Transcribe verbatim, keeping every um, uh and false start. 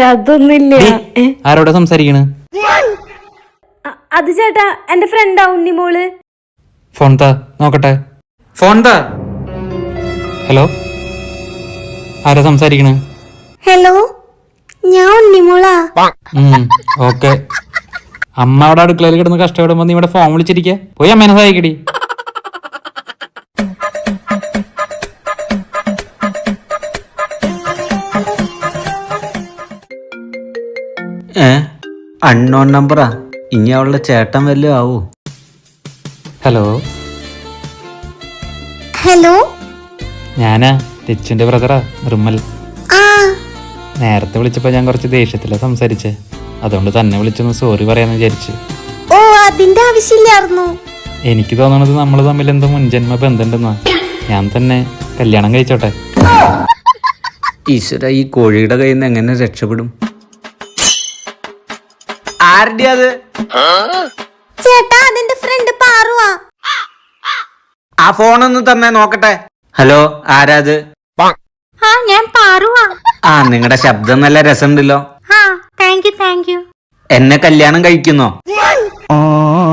അതൊന്നുമില്ല. ആരോടെ സംസാരിക്കണ്? അത് ചേട്ടാ എന്റെ ഫ്രണ്ടാ ഉണ്ണിമോള്. ഫോൺ താ നോക്കട്ടെ. ഫോൺ താ. ഹലോ, ആരാ സംസാരിക്കണ്? ഹലോ, ഞാൻ ഉണ്ണിമോളാ. ഓക്കെ. അമ്മ അവിടെ അടുക്കളയിൽ കിടന്ന് കഷ്ടപ്പെടുമ്പോ നീ ഇവിടെ ഫോൺ വിളിച്ചിരിക്ക. പോയി അമ്മേനെ സഹായിക്കടി. ഏ അൺനോൺ നമ്പറാ. ഇനി അവളുടെ ചേട്ടൻ വല്ലതും ആവൂ. ഹലോ. ഹലോ, ഞാനാ രച്ചുന്റെ ബ്രദറാ നിർമ്മൽ. ആ നേരത്തെ വിളിച്ചപ്പോ ഞാൻ കുറച്ച് ദേഷ്യത്തിലാ സംസാരിച്ചേ. അതുകൊണ്ട് തന്നെ വിളിച്ചൊന്ന് സോറി പറയാന്ന് വിചാരിച്ചു. ഓ അതിന്റെ ആവശ്യമില്ലായിരുന്നു. എനിക്ക് തോന്നണത് നമ്മൾ തമ്മിൽ എന്തോ മുൻജന്മ ബന്ധമുണ്ടെന്നാ. ഞാൻ തന്നെ കല്യാണം കഴിച്ചോട്ടെ. ഈശ്വര, ഈ കോഴിയുടെ കയ്യിൽ നിന്ന് എങ്ങനെ രക്ഷപ്പെടും? ആരുടെ അത്? ചേട്ടാ അതെന്റെ ഫ്രണ്ട് പാറുവാ. ആ ഫോണൊന്ന് തന്നെ നോക്കട്ടെ. ഹലോ, ആരാത്? ആ ഞാൻ പാറുവാ. ആ, നിങ്ങളുടെ ശബ്ദം നല്ല രസമുണ്ടല്ലോ. ആ താങ്ക് യു താങ്ക് യു. എന്നെ കല്യാണം കഴിക്കുന്നോ?